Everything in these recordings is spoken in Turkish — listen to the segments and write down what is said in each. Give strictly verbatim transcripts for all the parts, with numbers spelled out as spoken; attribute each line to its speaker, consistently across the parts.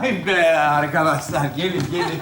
Speaker 1: Vay be arkadaşlar, gelin gelin.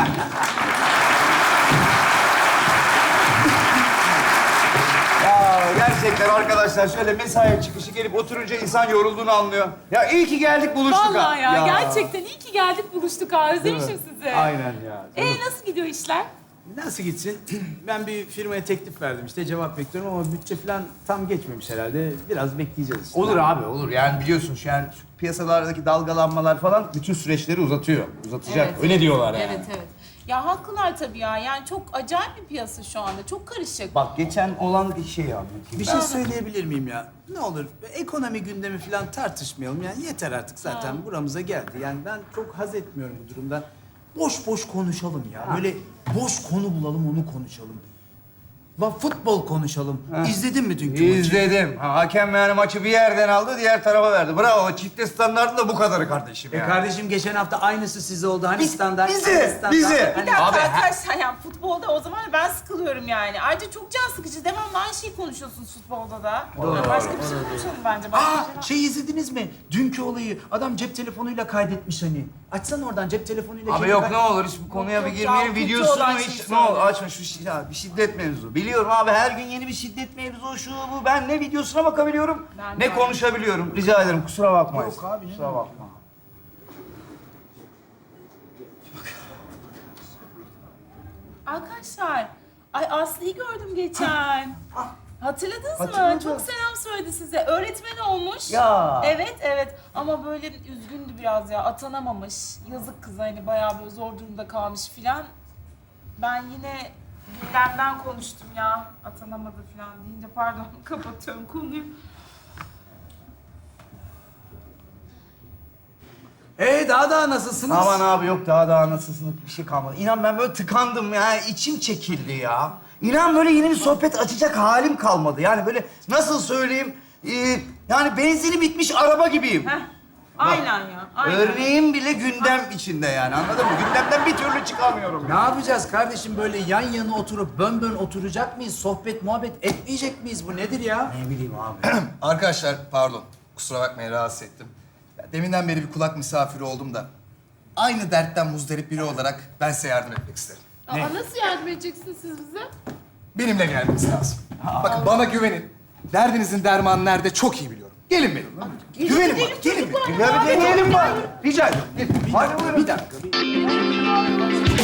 Speaker 1: Ya gerçekten arkadaşlar şöyle mesai çıkışı gelip oturunca insan yorulduğunu anlıyor. Ya iyi ki geldik buluştuk ha.
Speaker 2: Vallahi ya, gerçekten iyi ki geldik buluştuk ha. Özlemişim sizi.
Speaker 1: Aynen ya.
Speaker 2: Ee nasıl gidiyor işler?
Speaker 3: Nasıl gitsin? Ben bir firmaya teklif verdim işte cevap bekliyorum ama bütçe falan tam geçmemiş herhalde. Biraz bekleyeceğiz işte.
Speaker 1: Olur abi olur. Yani biliyorsun şu yani şu piyasalardaki dalgalanmalar falan bütün süreçleri uzatıyor. Uzatacak.
Speaker 2: Evet.
Speaker 1: Öyle diyorlar yani.
Speaker 2: Evet evet. Ya haklılar tabii ya. Yani çok acayip bir piyasa şu anda. Çok karışık.
Speaker 1: Bak geçen olan bir şey abi.
Speaker 3: Bir şey söyleyebilir miyim ya? Ne olur ekonomi gündemi falan tartışmayalım yani yeter artık zaten buramıza geldi. Yani ben çok haz etmiyorum bu durumdan. Boş boş konuşalım ya. Böyle boş konu bulalım onu konuşalım. La futbol konuşalım. İzledin mi dünkü maçı?
Speaker 1: İzledim. Ha, hakem yani maçı bir yerden aldı, diğer tarafa verdi. Bravo. Çifte standartın da bu kadarı kardeşim
Speaker 3: E
Speaker 1: ya.
Speaker 3: kardeşim geçen hafta aynısı size oldu. Hani
Speaker 1: Biz-
Speaker 3: standart,
Speaker 1: bizi,
Speaker 3: hani standart,
Speaker 1: bizi.
Speaker 3: hani-
Speaker 2: Bir dakika
Speaker 1: Abi,
Speaker 2: arkadaşlar yani futbolda o zaman ben sıkılıyorum yani. Ayrıca çok can sıkıcı. Devamlı aynı şeyi konuşuyorsunuz futbolda da. Yani başka bir şey konuşalım bence. Başka bir şey
Speaker 3: Aa
Speaker 2: var.
Speaker 3: şey izlediniz mi? Dünkü olayı adam cep telefonuyla kaydetmiş hani. Açsana oradan cep telefonuyla.
Speaker 1: Abi
Speaker 3: şeyi
Speaker 1: yok
Speaker 3: kay-
Speaker 1: ne olur hiç bu konuya
Speaker 2: yok
Speaker 1: bir
Speaker 2: ya,
Speaker 1: girmeyelim.
Speaker 2: kötü
Speaker 1: Videosunu
Speaker 2: olan
Speaker 1: hiç
Speaker 2: şeyi
Speaker 1: ne olur
Speaker 2: söyle.
Speaker 1: açma şu şi- ya, bir şiddet mevzu. Biliyorum abi her gün yeni bir şiddet mevzu şu bu. Ben ne videosuna bakabiliyorum
Speaker 2: Ben
Speaker 1: ne
Speaker 2: de.
Speaker 1: konuşabiliyorum. Rica ederim kusura bakmayın.
Speaker 3: Yok abi, ne
Speaker 1: Kusura bakma.
Speaker 2: Arkadaşlar, ay Aslı'yı gördüm geçen. Hatırladınız mı?
Speaker 1: Hatırladım.
Speaker 2: Çok selam söyledi size. Öğretmen olmuş.
Speaker 1: Ya.
Speaker 2: Evet, evet. Ama böyle üzgündü biraz ya. Atanamamış. Yazık kız hani bayağı böyle zor durumda kalmış filan. Ben yine gündemden konuştum ya. Atanamadı filan deyince pardon kapatıyorum konuyu.
Speaker 3: Ee daha daha nasılsınız?
Speaker 1: Aman abi yok daha daha nasılsın bir şey kalmadı. İnan ben böyle tıkandım ya içim çekildi ya. İnan böyle yeni bir sohbet açacak halim kalmadı. Yani böyle nasıl söyleyeyim ee, yani benzini bitmiş araba gibiyim.
Speaker 2: Heh. Aynen ya. Aynen.
Speaker 1: Örneğim bile gündem içinde yani anladın mı? Gündemden bir türlü çıkamıyorum.
Speaker 3: Ne yapacağız kardeşim böyle yan yana oturup bön bön oturacak mıyız? Sohbet muhabbet etmeyecek miyiz? Bu nedir ya?
Speaker 1: Ne bileyim abi.
Speaker 4: Arkadaşlar pardon, kusura bakmayın rahatsız ettim. Ya, deminden beri bir kulak misafiri oldum da... ...aynı dertten muzdarip biri olarak ben size yardım etmek isterim.
Speaker 2: Aa, nasıl yardım edeceksiniz siz bize?
Speaker 4: Benimle gelmeniz lazım. Bakın bana güvenin. Derdinizin dermanı nerede çok iyi biliyorum. Gelin benimle. Güvenin bana, gelin benimle.
Speaker 1: Ya bir deneyelim bari. Rica ederim. Gelin. Hadi buyurun.
Speaker 3: Bir dakika. Bir...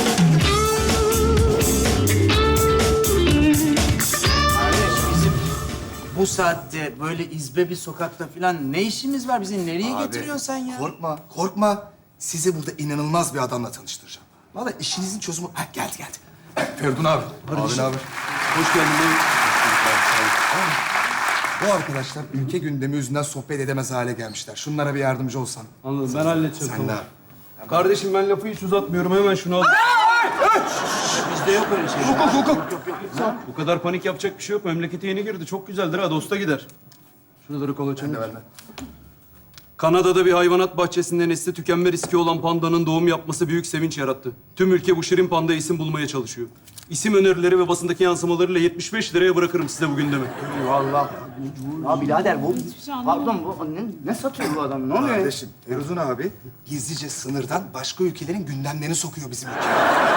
Speaker 3: Kardeş bizim bu saatte böyle izbe bir sokakta falan ne işimiz var? Bizi nereye
Speaker 4: Abi,
Speaker 3: getiriyorsun sen ya?
Speaker 4: Korkma, korkma. Sizi burada inanılmaz bir adamla tanıştıracağım. Vallahi işinizin çözümü... Ha, geldi geldi. Feridun abi. Abi ne haber?
Speaker 3: Hoş geldin.
Speaker 4: Bu arkadaşlar ülke gündemi yüzünden sohbet edemez hale gelmişler. Şunlara bir yardımcı olsan.
Speaker 5: Anladım, ben halledeceğim.
Speaker 4: Sen de
Speaker 5: tamam.
Speaker 4: abi.
Speaker 5: Kardeşim ben lafı hiç uzatmıyorum, hemen şunu al.
Speaker 3: Bizde yok öyle şey.
Speaker 5: Hukuk, hukuk. Bu kadar panik yapacak bir şey yok. Memlekete yeni girdi, çok güzeldir ha, dosta gider. Şuraları kolaçan.
Speaker 4: Ben de, ben de.
Speaker 5: Kanada'da bir hayvanat bahçesinde nesli tükenme riski olan pandanın doğum yapması büyük sevinç yarattı. Tüm ülke bu şirin panda isim bulmaya çalışıyor. İsim önerileri ve basındaki yansımalarıyla yetmiş beş liraya bırakırım size bu gündemi.
Speaker 1: Eyvallah. Ya birader bu...
Speaker 2: şey anlamadım.
Speaker 1: Pardon bu ne, ne satıyor bu adam? Ne oluyor?
Speaker 4: Kardeşim, Feridun abi gizlice sınırdan başka ülkelerin gündemlerini sokuyor bizim ülkeye.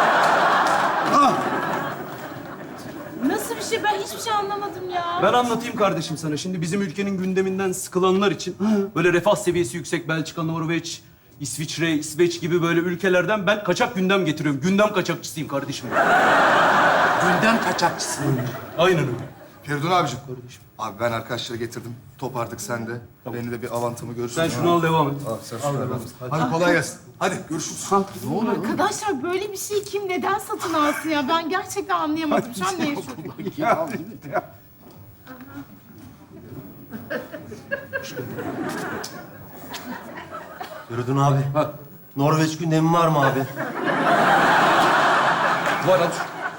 Speaker 2: Nasıl bir şey? Ben hiçbir şey anlamadım ya.
Speaker 5: Ben anlatayım kardeşim sana. Şimdi bizim ülkenin gündeminden sıkılanlar için böyle refah seviyesi yüksek Belçika, Norveç, İsviçre, İsveç gibi böyle ülkelerden ben kaçak gündem getiriyorum. Gündem kaçakçısıyım kardeşim.
Speaker 3: Gündem kaçakçısı.
Speaker 5: Aynen öyle.
Speaker 4: Feridun abicim. Abi ben arkadaşları getirdim. Top artık sende. Beni de bir avantımı görürsün.
Speaker 5: Sen şunu al, devam et.
Speaker 4: Al, sen şunu al. Hadi kolay gelsin. Hadi görüşürüz.
Speaker 2: Arkadaşlar böyle bir şey kim neden satın alsın ya? Ben gerçekten anlayamadım. Şu an ne yaşıyorum?
Speaker 6: Feridun abi. Norveç gündemi var mı abi?
Speaker 5: Var at.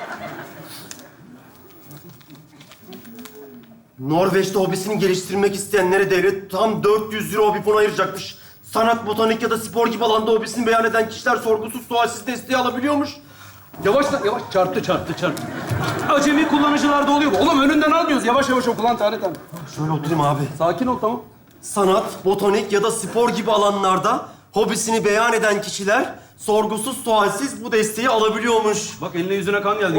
Speaker 6: Norveç'te hobisini geliştirmek isteyenlere devlet tam dört yüz euro hobi fonu ayıracakmış. Sanat, botanik ya da spor gibi alanda hobisini beyan eden kişiler sorgusuz sualsiz desteği alabiliyormuş.
Speaker 5: Yavaş lan, yavaş. Çarptı, çarptı, çarptı. Acemi kullanıcılarda oluyor bu. Oğlum önünden almıyoruz. Yavaş yavaş oku lan tane tane.
Speaker 6: Şöyle oturayım abi.
Speaker 5: Sakin ol, tamam.
Speaker 6: Sanat, botanik ya da spor gibi alanlarda hobisini beyan eden kişiler sorgusuz sualsiz bu desteği alabiliyormuş.
Speaker 5: Bak eline yüzüne kan geldi.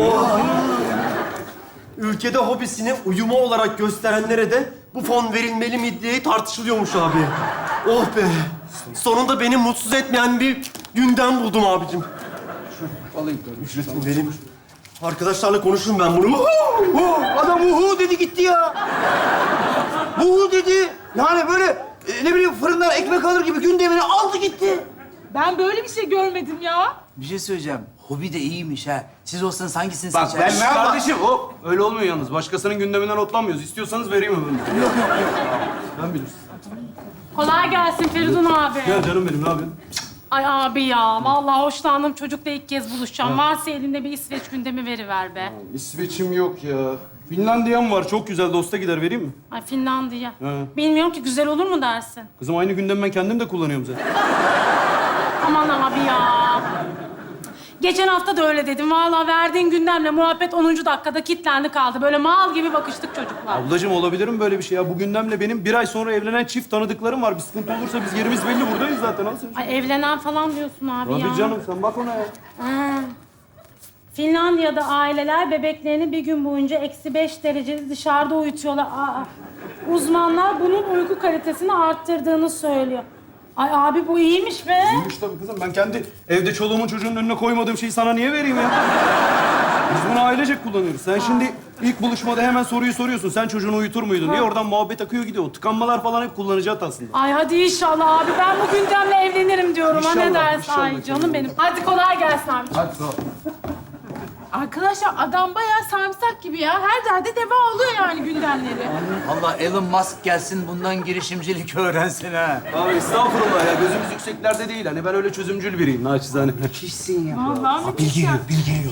Speaker 6: Ülkede hobisini uyuma olarak gösterenlere de bu fon verilmeli mi diye tartışılıyormuş abi. Oh be! Sonunda beni mutsuz etmeyen bir gündem buldum abicim.
Speaker 5: Alayım.
Speaker 6: Ücretini vereyim. Arkadaşlarla konuşurum ben bunu.
Speaker 1: Adam uhu dedi gitti ya. Uhu dedi. Yani böyle e, ne bileyim fırından ekmek alır gibi gündemini aldı gitti.
Speaker 2: Ben böyle bir şey görmedim ya.
Speaker 3: Bir şey söyleyeceğim. Hobi de iyiymiş ha. Siz olsanız hangisini
Speaker 1: Bak,
Speaker 3: seçerdiniz?
Speaker 1: ben-
Speaker 5: Kardeşim hop. Öyle olmuyor yalnız. Başkasının gündeminden otlanmıyoruz. İstiyorsanız vereyim öbürünü. Yok yok yok. Ben bilirsin.
Speaker 7: Kolay gelsin Feridun abi.
Speaker 5: Gel canım benim ne yapıyorsun?
Speaker 7: Ay abi ya, vallahi hoşlandım. Çocukla ilk kez buluşacağım. Varsa elinde bir İsveç gündemi veriver be.
Speaker 5: İsveç'im yok ya. Finlandiya'm var. Çok güzel. Dosta gider. Vereyim mi?
Speaker 7: Ay Finlandiya.
Speaker 5: He.
Speaker 7: Bilmiyorum ki güzel olur mu dersin?
Speaker 5: Kızım aynı gündemi ben kendim de kullanıyorum zaten.
Speaker 7: Aman abi ya. Geçen hafta da öyle dedim. Vallahi verdiğin gündemle muhabbet onuncu dakikada kilitlendi kaldı. Böyle mal gibi bakıştık çocuklar.
Speaker 5: Ablacığım olabilir mi böyle bir şey ya? Bu gündemle benim bir ay sonra evlenen çift tanıdıklarım var. Bir sıkıntı olursa biz yerimiz belli buradayız zaten. Al sen.
Speaker 7: Ay evlenen falan diyorsun abi ya.
Speaker 5: Tabii canım sen bak ona ya.
Speaker 7: Ha. Finlandiya'da aileler bebeklerini bir gün boyunca eksi beş derecede dışarıda uyutuyorlar. Aa, uzmanlar bunun uyku kalitesini arttırdığını söylüyor. Ay abi bu iyiymiş be.
Speaker 5: İyiymiş tabii kızım. Ben kendi evde çoluğumun çocuğunun önüne koymadığım şeyi sana niye vereyim ya? Biz bunu ailecek kullanıyoruz. Sen şimdi ilk buluşmada hemen soruyu soruyorsun. Sen çocuğunu uyutur muydun diye oradan muhabbet akıyor gidiyor. O tıkanmalar falan hep kullanacağız aslında.
Speaker 7: Ay hadi inşallah abi. Ben bu gündemle evlenirim diyorum. ha ne
Speaker 5: İnşallah,
Speaker 7: dersin?
Speaker 5: inşallah
Speaker 7: Ay
Speaker 5: canım.
Speaker 7: canım benim. Hadi kolay gelsin abi.
Speaker 5: Hadi sağ ol.
Speaker 2: Arkadaşlar adam bayağı sarımsak gibi ya. Her derde deva oluyor yani gündemleri.
Speaker 3: Allah Elon Musk gelsin bundan girişimcilik öğrensin ha.
Speaker 5: Abi estağfurullah ya. Gözümüz yükseklerde değil. Hani ben öyle çözümcül biriyim naçizane.
Speaker 3: Kişsin ya.
Speaker 2: Vallahi bir
Speaker 1: Bilgi
Speaker 2: şey.
Speaker 1: geliyor, bilgi geliyor.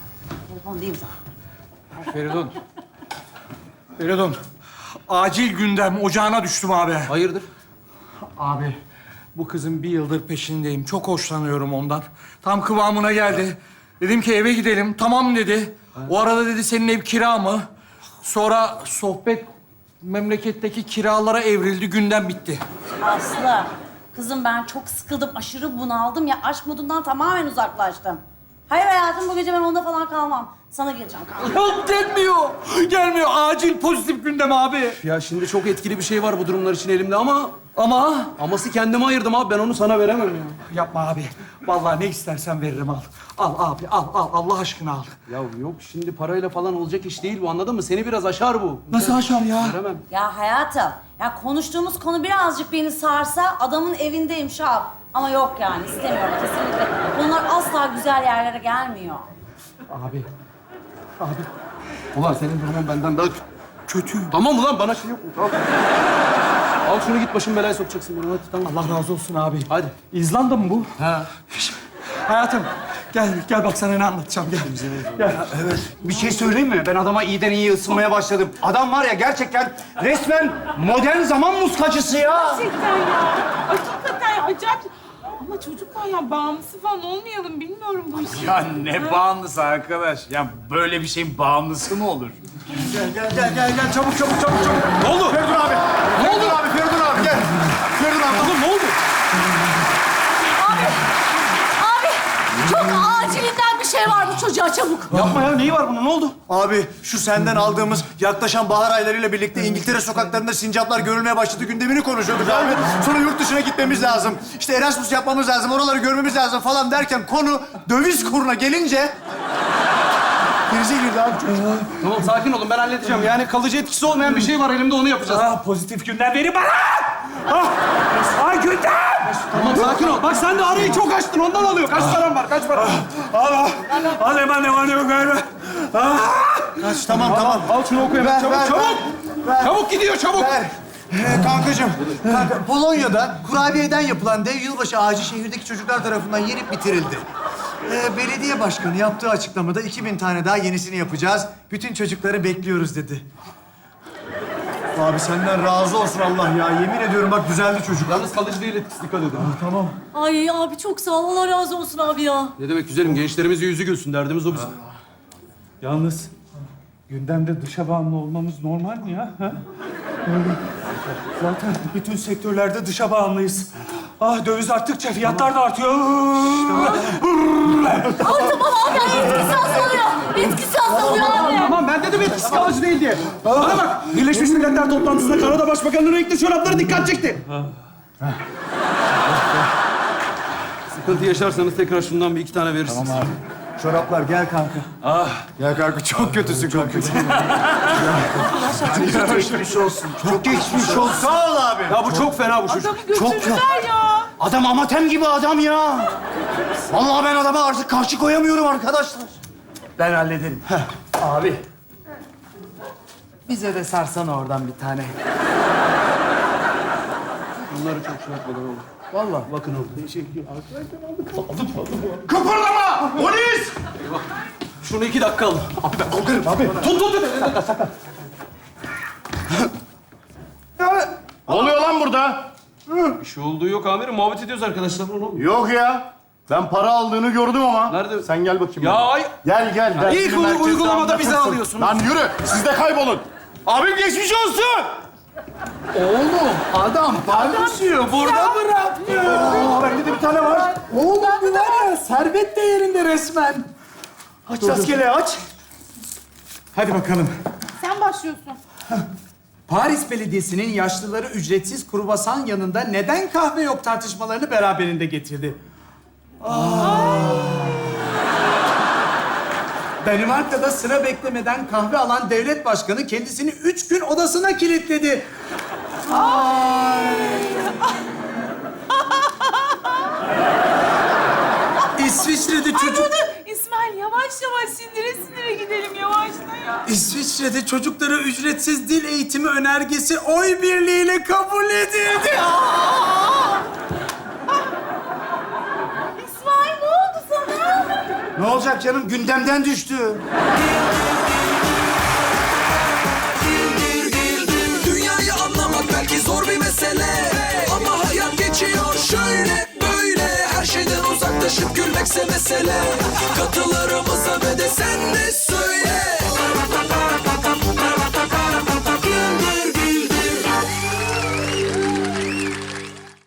Speaker 8: Feridun. Feridun. Acil gündem ocağına düştüm abi.
Speaker 5: Hayırdır?
Speaker 8: Abi bu kızın bir yıldır peşindeyim. Çok hoşlanıyorum ondan. Tam kıvamına geldi. Dedim ki eve gidelim. Tamam dedi. O arada dedi senin ev kira mı? Sonra sohbet memleketteki kiralara evrildi. Gündem bitti.
Speaker 9: Aslı, kızım ben çok sıkıldım, aşırı bunaldım ya. Aşk modundan tamamen uzaklaştım. Hayır hayatım, bu gece ben onda falan kalmam. Sana geleceğim kalmam.
Speaker 8: Yok gelmiyor. Gelmiyor. Acil pozitif gündem abi.
Speaker 5: Ya şimdi çok etkili bir şey var bu durumlar için elimde ama...
Speaker 8: Ama
Speaker 5: Aması kendime ayırdım abi. Ben onu sana veremem ya.
Speaker 8: yapma abi. Vallahi ne istersen veririm al. Al abi al al Allah aşkına al.
Speaker 5: Ya yok şimdi parayla falan olacak iş değil bu anladın mı? Seni biraz aşar bu.
Speaker 8: Nasıl aşar ya?
Speaker 5: Veremem.
Speaker 9: Ya hayatım, ya konuştuğumuz konu birazcık beni sarsa adamın evindeyim şap. Ama yok yani, istemiyorum kesinlikle. Bunlar asla güzel yerlere gelmiyor.
Speaker 8: Abi.
Speaker 5: Ulan senin durumun benden daha kötü. Tamam ulan bana şey yok mu? Al. Al şunu git başım belaya sokacaksın beni. Hadi tamam.
Speaker 8: Allah razı olsun abi.
Speaker 5: Hadi.
Speaker 8: İzlanda mı bu?
Speaker 5: Ha.
Speaker 8: Hayatım gel gel bak sana ne anlatacağım gel. Gel.
Speaker 1: Bir şey söyleyeyim mi? Ben adama iyiden iyi ısınmaya başladım. Adam var ya gerçekten resmen modern zaman muskacısı ya.
Speaker 2: Gerçekten ya. Hakikaten ya, acayip. Ama çocuklar ya bağımlısı falan olmayalım. Bilmiyorum bu işi.
Speaker 3: Ya ne bağımlısı arkadaş? Ya böyle bir şeyin bağımlısı mı olur?
Speaker 1: Gel gel gel gel, gel. çabuk çabuk çabuk çabuk.
Speaker 5: Ne oldu?
Speaker 1: Feridun abi. Ne oldu abi? Feridun abi gel. Feridun abi.
Speaker 5: Oğlum ne oldu?
Speaker 9: Abi, çok acilinden bir şey var bu çocuğa, çabuk.
Speaker 5: Yapma ya neyi var bunun? Ne oldu?
Speaker 10: Abi şu senden aldığımız yaklaşan bahar aylarıyla birlikte İngiltere sokaklarında sincaplar görülmeye başladı gündemini konuşuyorduk abi. Sonra yurt dışına gitmemiz lazım. İşte Erasmus yapmamız lazım, oraları görmemiz lazım falan derken konu döviz kuruna gelince... Krize girdi abi çocuk.
Speaker 5: Tamam sakin olun ben halledeceğim. Yani kalıcı etkisi olmayan bir şey var elimde onu yapacağız.
Speaker 8: Ah, pozitif gündem verin bana! Ah! Ay gündem!
Speaker 5: Tamam sakin ol. Bak sen de arayı çok açtın ondan alıyor. Kaç param var? Kaç para?
Speaker 8: Al al. Al hemen ne var ne yok galiba. Ah!
Speaker 10: Kaç, tamam tamam.
Speaker 5: Al şunu oku hemen.
Speaker 10: Ver,
Speaker 5: Çabuk
Speaker 10: ver,
Speaker 5: çabuk.
Speaker 10: ver.
Speaker 5: Çabuk gidiyor çabuk.
Speaker 10: Ver. Ee, kankacığım, kanka, Polonya'da kurabiyeden yapılan dev yılbaşı ağacı şehirdeki çocuklar tarafından yenip bitirildi. Ee, belediye başkanı yaptığı açıklamada iki bin tane daha yenisini yapacağız. Bütün çocukları bekliyoruz dedi. Abi senden razı olsun Allah ya. Yemin ediyorum bak düzeldi çocuk.
Speaker 5: Yalnız kalıcı değil etkisi dikkat edin.
Speaker 10: Tamam.
Speaker 9: Ay abi çok sağ ol, Allah razı olsun abi ya.
Speaker 5: Ne demek güzelim gençlerimizin yüzü gülsün derdimiz o bizim.
Speaker 8: Yalnız gündemde dışa bağımlı olmamız normal mi ya? Ha? Zaten bütün sektörlerde dışa bağımlıyız. Ah döviz arttıkça fiyatlar da artıyor.
Speaker 9: Ay tamam abi, ay etkisi azalıyor. Etkisi azalıyor abi.
Speaker 8: Tamam ben dedim etkisi kalıcı değil diye. Bana bak Birleşmiş Milletler toplantısında Kanada Başbakanı'nın renkli çorapları dikkat çekti.
Speaker 5: Sıkıntı yaşarsanız tekrar şundan bir iki tane verirsiniz.
Speaker 10: Tamam abi. Çoraplar gel kanka. Ah. Gel kanka çok kötüsün kanka. Çok geçmiş olsun. Çok geçmiş olsun. Sağ ol abi.
Speaker 5: Ya bu çok fena bu çocuk.
Speaker 2: Adamı götürdüler ya.
Speaker 1: Adam amatem gibi adam ya. Vallahi ben adama artık karşı koyamıyorum arkadaşlar.
Speaker 10: Ben hallederim. Abi. Bize de sarsana oradan bir tane.
Speaker 5: Bunları çok şey yapmadan oğlum.
Speaker 10: Vallahi.
Speaker 5: Bakın oğlum.
Speaker 10: Kıpırdama! Polis!
Speaker 5: Şunu iki dakika al.
Speaker 10: Alırım abi.
Speaker 5: Tut tut tut.
Speaker 11: Ne oluyor lan burada?
Speaker 5: Bir şey olduğu yok amirim. Muhabbet ediyoruz arkadaşlar. Oğlum.
Speaker 11: Yok ya. Ben para aldığını gördüm ama.
Speaker 5: Nerede?
Speaker 11: Sen gel bakayım.
Speaker 5: Ya
Speaker 11: buraya.
Speaker 5: ay.
Speaker 11: Gel gel. Ben
Speaker 5: İlk
Speaker 11: seni
Speaker 5: uy-
Speaker 11: merkezde
Speaker 5: uygulamada bizi
Speaker 11: anlatırsın.
Speaker 5: alıyorsunuz.
Speaker 11: Lan yürü. Siz de kaybolun. Abim geçmiş olsun.
Speaker 10: Oğlum adam paylaşıyor. Burada bırakmıyor. Aa, bende de bir tane var. Oğlum bu var ya servet değerinde resmen. Aç rastgele aç. Hadi bakalım.
Speaker 2: Sen başlıyorsun.
Speaker 3: Paris Belediyesi'nin yaşlıları ücretsiz kruvasan yanında neden kahve yok tartışmalarını beraberinde getirdi. Danimarka'da sıra beklemeden kahve alan devlet başkanı kendisini üç gün odasına kilitledi. İsviçre'de çocuk...
Speaker 2: İsmail yavaş yavaş sindire sindire gidelim yavaşla ya.
Speaker 3: İsviçre'de çocuklara ücretsiz dil eğitimi önergesi oy birliğiyle kabul edildi.
Speaker 2: İsmail ne oldu sana?
Speaker 1: Ne olacak canım? Gündemden düştü.
Speaker 12: Dünyayı anlamak belki zor bir mesele, ama hayat geçiyor şöyle böyle. Her şeyden uzaklaşıp gülmekse mesele. Katılırım